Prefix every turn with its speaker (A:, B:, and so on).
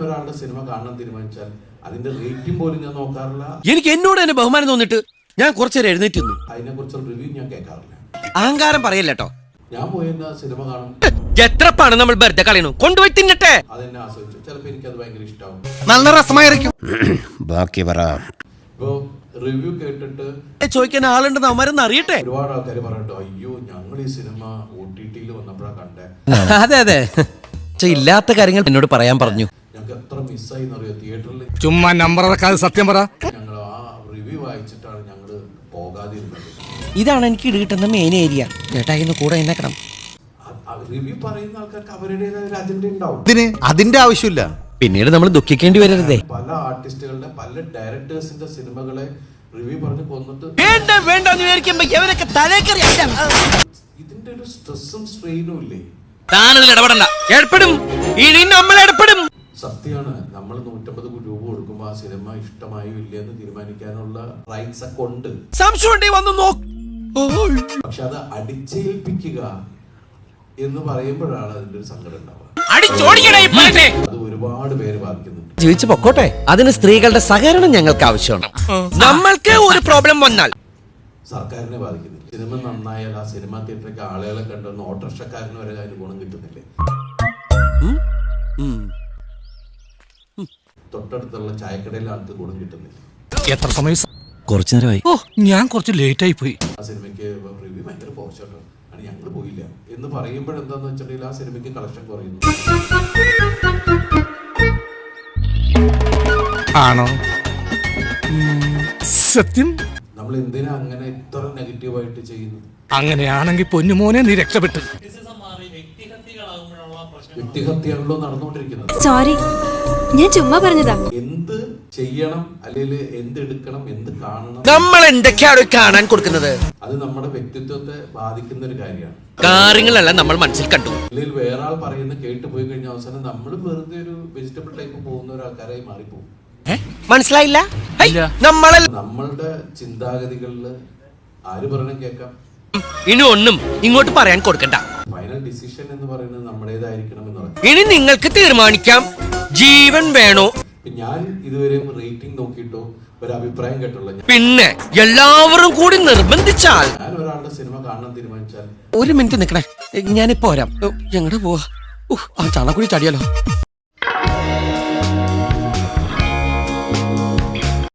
A: ഒരാളുടെ സിനിമ കാണാൻ തീരുമാനിച്ചാൽ അതിന്റെ റേറ്റിംഗ് പോലും ഞാൻ നോക്കാറില്ല.
B: എനിക്ക് എന്നോട് തന്നെ ബഹുമാനം തോന്നിട്ട് ഞാൻ കുറച്ചേരം എഴുന്നേറ്റ് നിന്നു.
A: അതിനെ കുറിച്ചുള്ള റിവ്യൂ ഞാൻ കേൾക്കാറില്ല.
B: അഹങ്കാരം പറയല്ലോ.
A: ഞാൻ പോയി സിനിമ കാണും.
B: എത്ര പണം നമ്മൾ വെറുതെ കളയണു, കൊണ്ടുപോയി തിന്നട്ടെ.
A: അതെന്നെ ആസ്വദിച്ചു. ചിലപ്പോൾ എനിക്കത് ഭയങ്കര ഇഷ്ടമാവും.
B: നല്ല രസമായിരിക്കും. ബാക്കി പറ.
A: ഇപ്പോ റിവ്യൂ കേട്ടിട്ട്
B: ചോദിക്കാൻ ആളുണ്ടെന്ന് അവന്മാരെന്ന് അറിയട്ടെ.
A: ഒരുപാട് ആൾക്കാർ പറഞ്ഞിട്ട് അയ്യോ ഞങ്ങൾ ഈ സിനിമ OTT-യിൽ വന്നപ്പോഴാണ് കണ്ടേ.
B: അതെ ഇല്ലാത്ത കാര്യങ്ങൾ എന്നോട് പറയാൻ പറഞ്ഞു.
A: ഞങ്ങൾക്ക് എത്ര മിസ്സായി എന്നറിയോ തിയേറ്ററിൽ.
C: ചുമ്മാ നമ്പർ സത്യം പറ.
A: ഞങ്ങൾ ആ റിവ്യൂ വായിച്ചിട്ടാണ് ഞങ്ങൾ പോകാതിരുന്നത്.
B: ഇതാണ് എനിക്ക് കിട്ടുന്ന മെയിൻ ഏരിയ. ചേട്ടാ ഇന്ന് കൂടെ എന്നേക്കണം.
A: റിവ്യൂ പറയുന്ന ആൾക്കാർക്ക് അവരുടേതായ ഒരു അജണ്ട ഉണ്ടാവും.
C: അതിന്റെ ആവശ്യമില്ല.
B: പിന്നീട് നമ്മൾ ദുഃഖിക്കേണ്ടി വരരുതേ.
A: പല ആർട്ടിസ്റ്റുകളുടെ പല ഡയറക്ടേഴ്സിന്റെ സിനിമകളെ റിവ്യൂ പറഞ്ഞ് കൊന്നിട്ട് ഇതിന്റെ ഒരു സ്ട്രെസ്സും സ്ട്രെയിനും ഇല്ലേ?
B: ഏർപ്പെടും. ഇനി നമ്മൾ ഏർപ്പെടും.
A: സത്യമാണ്, നമ്മൾ 150 രൂപ കൊടുക്കുമ്പോ ആ സിനിമ ഇഷ്ടമായോ ഇല്ലെന്ന് തീരുമാനിക്കാനുള്ള റൈറ്റ്സ് ഒക്കെ ഉണ്ട്.
B: സംശയം വന്നു നോക്ക്.
A: പക്ഷെ അത് അടിച്ചേൽപ്പിക്കുക എന്ന് പറയുമ്പോഴാണ് അതിന്റെ ഒരു സങ്കടം ഉണ്ടാവുക. അത് ഒരുപാട് പേര് ബാധിക്കുന്നുണ്ട്.
B: ജീവിച്ചു പൊക്കോട്ടെ. അതിന് സ്ത്രീകളുടെ സഹകരണം ഞങ്ങൾക്ക് ആവശ്യമാണ്. നമ്മൾക്ക് ഒരു പ്രോബ്ലം വന്നാൽ
A: സർക്കാരിനെ ബാധിക്കുന്നില്ല. സിനിമ നന്നായാൽ ആ സിനിമാ തിയേറ്ററിലേക്ക് ആളുകളെ കണ്ടുവന്ന് ഓട്ടോറിക്ഷക്കാരന് വരെ അതിന് ഗുണം കിട്ടുന്നില്ലേ? തൊട്ടടുത്തുള്ള ചായക്കടയിലെ ആൾക്ക് ഗുണം കിട്ടുന്നില്ല.
C: എത്ര സമയം?
B: കുറച്ചു നേരമായി.
C: ഞാൻ കുറച്ച് ലേറ്റ് ആയി പോയി.
A: ആ സിനിമയ്ക്ക് റിവ്യൂ ഭയങ്കര പോസ്റ്റാണ്, ആണ് ഞങ്ങൾ പോയില്ല എന്ന് പറയുമ്പോഴെന്താന്ന് വെച്ചിട്ടുണ്ടെങ്കിൽ ആ സിനിമയ്ക്ക് കളക്ഷൻ കുറയുന്നു.
C: ആണോ? സത്യം.
A: നമ്മൾ എന്തിനാ അങ്ങനെ ഇത്ര നെഗറ്റീവായിട്ട് ചെയ്യുന്നത്?
C: അങ്ങനെയാണെങ്കിൽ പൊന്നുമോനെ നീ രക്ഷപ്പെട്ടു.
A: വ്യക്തിഹത്യാണല്ലോ നടന്നുകൊണ്ടിരിക്കുന്നത്.
D: സോറി, ഞാൻ ചുമ്മാ പറഞ്ഞതാ.
A: എന്ത് ചെയ്യണം അല്ലെങ്കിൽ എന്ത് എടുക്കണം എന്ത് കാണണം
B: നമ്മൾ എന്തൊക്കെയാണ് കാണാൻ കൊടുക്കുന്നത്?
A: അത് നമ്മുടെ വ്യക്തിത്വത്തെ ബാധിക്കുന്ന ഒരു കാര്യമാണ്.
B: കാര്യങ്ങളെല്ലാം നമ്മൾ മനസ്സിൽ കണ്ടു.
A: അല്ലെങ്കിൽ വേറെ ആൾ പറയുന്ന കേട്ട് പോയി കഴിഞ്ഞ അവസാനം നമ്മൾ വെറുതെ ഒരു വെജിറ്റബിൾ ടൈപ്പ് പോകുന്ന ഒരു ആൾക്കാരായി മാറിപ്പോകും.
B: മനസ്സിലായില്ല?
A: നമ്മളുടെ ചിന്താഗതികളിൽ ആര് പറയണം കേൾക്കാം.
B: ഇനി ഒന്നും ഇങ്ങോട്ട് പറയാൻ കൊടുക്കണ്ട.
A: ഫൈനൽ ഡിസിഷൻ എന്ന് പറയുന്നത് നമ്മുടേതായിരിക്കണം എന്ന് പറഞ്ഞു.
B: ഇനി നിങ്ങൾക്ക് തീരുമാനിക്കാം ജീവൻ വേണോ.
A: ഞാൻ ഇതുവരെയും റേറ്റിംഗ് നോക്കിയിട്ടോ ഒരു അഭിപ്രായം കേട്ടുള്ള.
B: പിന്നെ എല്ലാവരും കൂടി നിർബന്ധിച്ചാൽ
A: ഞാൻ ഒരാളുടെ സിനിമ കാണാൻ തീരുമാനിച്ചാൽ
B: ഒരു മിനിറ്റ് നിക്കണേ, ഞാനിപ്പോ വരാം. ഞങ്ങളുടെ പോവാ. ആ ചാണക്കുടി ചാടിയാലോ.